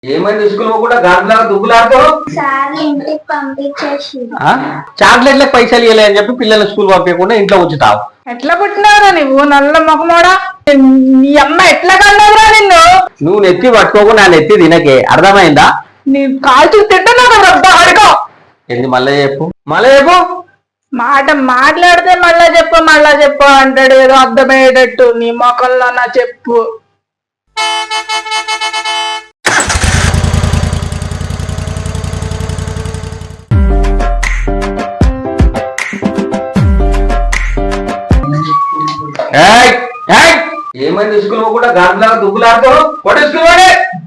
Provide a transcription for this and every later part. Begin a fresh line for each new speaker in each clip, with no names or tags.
ఏమైంది స్కూల్ కూడా గాంధీలాగా దుబ్బులాడుతావు?
సార్ ఇంటికి పంపించేసి
చాక్లెట్లకు పైసలు ఇవ్వలే అని చెప్పి పిల్లల్ని స్కూల్ పంపించకుండా ఇంట్లో ఉంచుతావు.
ఎట్లా పుట్టినారా నువ్వు నల్ల మొహమోడా? నీ అమ్మ ఎట్లా కన్నావురా నిన్ను?
నువ్వు నెత్తి పట్టుకోకుండా నా నెత్తి తినకే, అర్థమైందా?
నీ కాల్చి తింటున్నావు రబ్బా అడుకో.
ఏంది మళ్ళీ చెప్పు, మళ్ళీ చెప్పు.
మాట మాట్లాడితే మళ్ళా చెప్పు అంటాడు, ఏదో అర్థమయ్యేటట్టు. నీ మొక్కల్లో నా చెప్పు.
ఏమైంది స్కూల్ కూడా గాంధీలాగా దుబ్బులాడుతావు? కొట్టే స్కూల్ వాడే.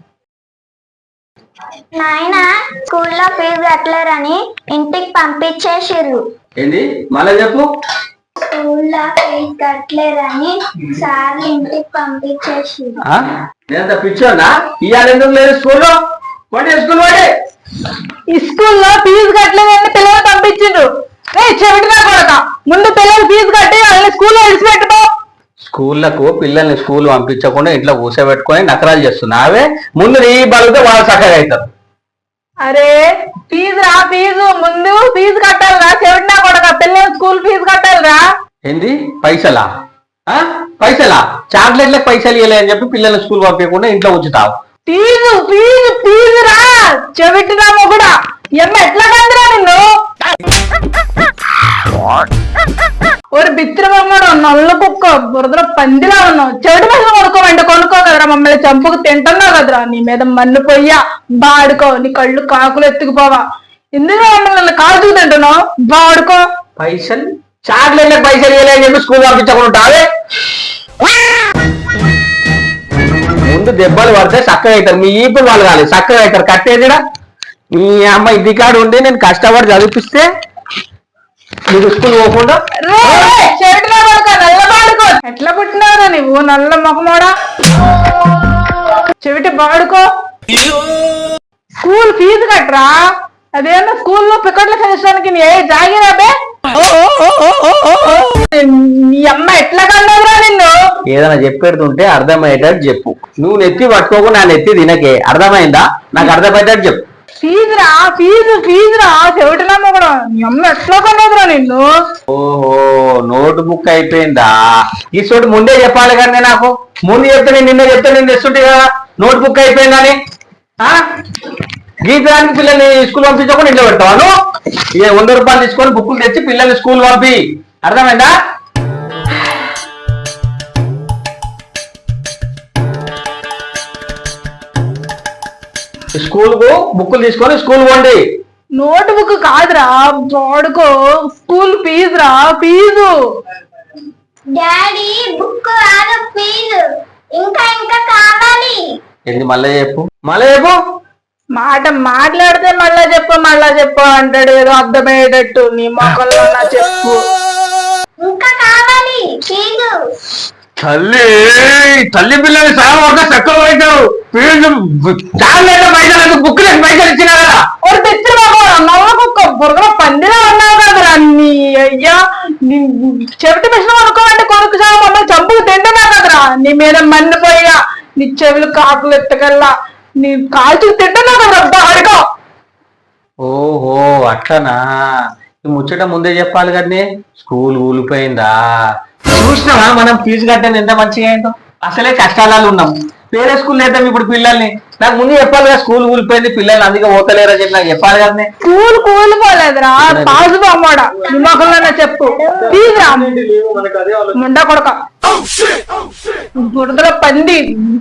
నాయన స్కూల్లో ఫీజు కట్టలేరని ఇంటికి పంపించేసిర్రు.
ఏంది మళ్ళీ చెప్పు.
స్కూల్లో ఫీజు కట్టలేరని సార్ ఇంటికి పంపించేసిర్రు.
నేనంత పిచ్చోనా? ఇవాళ ఎందుకు లేదు స్కూల్లో? కొట్టే స్కూల్ వాడే.
ఈ స్కూల్లో ఫీజు కట్టలేదని పిల్లలు పంపించిండ్రు. చెవిటినా కొడక, ముందు పిల్లలు ఫీజు కట్టి వాళ్ళని స్కూల్లో విడిచిపెట్టుకో.
స్కూళ్లకు పిల్లల్ని స్కూల్ పంపించకుండా ఇంట్లో కూర్చోబెట్టుకొని నకరాలు చేస్తున్నావే. ముందు నీ బలితే వాళ్ళు చక్కగా అవుతారు.
అరే ఫీజు ముందు ఫీజు కట్టాలిరా, చెవిటినా కొడక. పిల్లలు స్కూల్ ఫీజు కట్టాలిరా.
ఏంది పైసలా? పైసలా? చాక్లెట్లకు పైసలు ఇవ్వలే అని చెప్పి పిల్లల్ని స్కూల్ పంపించకుండా ఇంట్లో ఉంచుతావు.
ఫీజు రా, చెవిటినామో కూడా. ఎమ్మ ఎట్లా కందిరా నిన్ను? ఒక బిత్రమమ్మడు నల్ల కుక్క బురదలో పందిలా ఉన్నావు. చెవిటి మధ్య కొనుక్కో కదరా, మమ్మల్ని చంపుకు తింటున్నావు కదరా. నీ మీద మన్ను పొయ్యా బాడుకో, నీ కళ్ళు కాకులు ఎత్తుకుపోవా. ఎందుకు మమ్మల్ని కాల్చుకు తింటున్నావు? బాడుకో.
పైసలు చాక్లెట్లకు పైసలు ఇవ్వలే అని చెప్పి స్కూల్ పంపించకుండా ముందు దెబ్బలు పడితే చక్కగా అవుతారు. మీ ఈపులు వాళ్ళు కాలేదు, చక్కగా అవుతారు. కట్టేదిడా మీ అమ్మ ఇది కాడు ఉండి నేను కష్టపడి చదివిపిస్తే నీకు స్కూల్ పోకుండా.
ఎట్లా పుట్టినారా నువ్వు నల్ల మొహమోడా? చెవిటి బాడుకో. School fee కట్టరా. అదేమన్నా స్కూల్లో పికెట్లు చేసడానికి నీ జాగిరాబే. నీ అమ్మ ఎట్లా కన్నావురా నిన్ను?
ఏదైనా చెప్పేడుతుంటే అర్థమయ్యేటట్టు చెప్పు. నువ్వు నెత్తి పట్టుకోకుండా నా నెత్తి తినకే, అర్థమైందా? నాకు అర్థమయ్యేటట్టు చెప్పు.
ఫీజురా చెవిటినమ్మ కూడా. నీ అమ్మ ఎట్లా కన్నావురా నిన్ను?
ఓహో, నోట్ బుక్ అయిపోయిందా? ఈ చోటు ముందే చెప్పాలి కానీ నాకు. ముందు చెప్తే నేను నిన్న చెప్తే నేను తెస్తుంటే కదా నోట్ బుక్ అయిపోయిందని. గీతానికి పిల్లల్ని స్కూల్ పంపించకుండా ఇంట్లో పెడతావాను. ఇక 100 రూపాయలు తీసుకొని బుక్కులు తెచ్చి పిల్లల్ని స్కూల్ పంపి, అర్థమైందా? స్కూల్ కు బుక్కులు తీసుకొని స్కూల్ పోండి.
నోట్ బుక్ కాదురా బాడుకో, స్కూల్ ఫీజురా. ఫీజు
డాడీ బుక్ కాదు ఫీజు ఇంకా కావాలి.
ఏంది మళ్ళీ చెప్పు, మళ్ళీ చెప్పు.
మాట మాట్లాడితే మళ్ళా చెప్పు అంటాడు, ఏదో అర్థమయ్యేటట్టు. నీ మొక్కల్లో నా చెప్పు.
ఇంకా కావాలి ఫీజు.
తల్లి పిల్లలు చాలా తక్కువ అవుతావు. చాలా పైసలు బుక్కులకు పైసలు ఇచ్చినా కదా.
ఒక తెచ్చిన నవ్వకుక్క బుర్ర పందిలా ఉన్నావు కదరా. నీ అయ్యా చెవిటి మిషన్ కొనుక్కోమంటే కొనుక్కు చావు, మమ్మల్ని చంపుకు తింటున్నావు కదరా. నీ మీద మన్నిపోయా, నీ చెవులు కాకులు ఎత్తకల్లా, నీ కాల్చుకు తింటున్నావు కదరా. అడుకో.
ఓహో అట్లనా? ముచ్చట ముందే చెప్పాలి కదనే. స్కూల్ ఊలిపోయిందా? చూసినావా మనం ఫీజు కట్టాను ఎంత మంచిగా అయిందో. అసలే కష్టాలు ఉన్నాం. వేరే స్కూల్ వేద్దాం ఇప్పుడు పిల్లల్ని. నాకు ముందు చెప్పాలి కదా స్కూల్ కూలిపోయింది, పిల్లల్ని అందుకే పోతలేరా చెప్పి నాకు చెప్పాలి కదా.
School కూలిపోలేదురా, pass బొమ్మడా. నిమ్మకంలోనే చెప్పు. ఫీజురా ముండా కొడక, బురదలో పంది.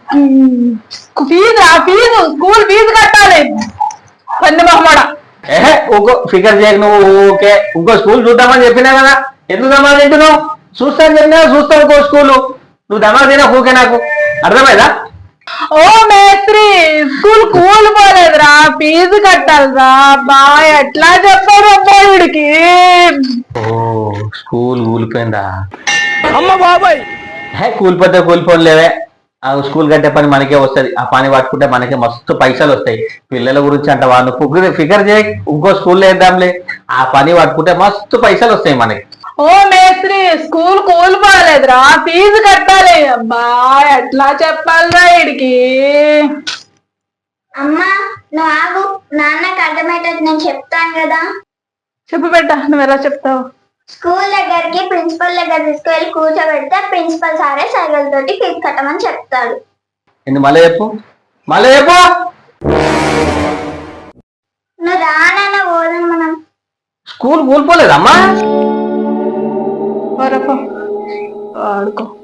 ఫీజు స్కూల్ ఫీజు కట్టాలి పంది మొహమ్మడా.
ఇంకో ఫికర్ చేయకు నువ్వు. ఓకే ఇంకో స్కూల్ చూద్దామని చెప్పినా కదా. ఎందుకు దమాలు తింటున్నావు? చూస్తాను చెప్పినా చూస్తావు ఇంకో స్కూలు. నువ్వు దమాలు తినా ఊకే, నాకు అర్థమైందా?
ఓ మేస్త్రి స్కూల్ కూలిపోలేదురా, ఫీజు కట్టాలిరా. బా ఎట్లా చెప్పారు అబ్బాయిడికి?
ఓ స్కూల్ కూలిపోయిందా?
అమ్మ బాబాయ్.
కూలిపోతే కూలిపోలేవే. ఆ స్కూల్ కట్టే పని మనకే వస్తుంది. ఆ పని పట్టుకుంటే మనకే మస్తు పైసలు వస్తాయి. పిల్లల గురించి అంట వాళ్ళు ఫికర్ చేయ. ఇంకో స్కూల్లో వేద్దాంలే, ఆ పని పట్టుకుంటే మస్తు పైసలు వస్తాయి మనకి.
ఓ మేస్త్రి స్కూల్ కూలిపోలేదురా, ఫీజు కట్టాలి. అబ్బా ఎట్లా చెప్పాలిరా వీడికి?
అమ్మా నువ్వు ఆగు, నాన్నకు అర్థమయ్యేటట్టు నేను చెప్తాను కదా.
చెప్పు బిడ్డ, నువ్వు ఎలా చెప్తావు?
స్కూల్ దగ్గరికి ప్రిన్సిపల్ దగ్గర తీసుకువెళ్ళి కూర్చోబెడితే ప్రిన్సిపల్ సారే సైకిల్ తోటి ఫీజు కట్టమని చెప్తాడు.
మళ్ళీ చెప్పు, మళ్ళీ చెప్పు.
నువ్వు రానన్న పోదాం మనం.
స్కూల్ కూలిపోలేదమ్మా.
ఆడుకో.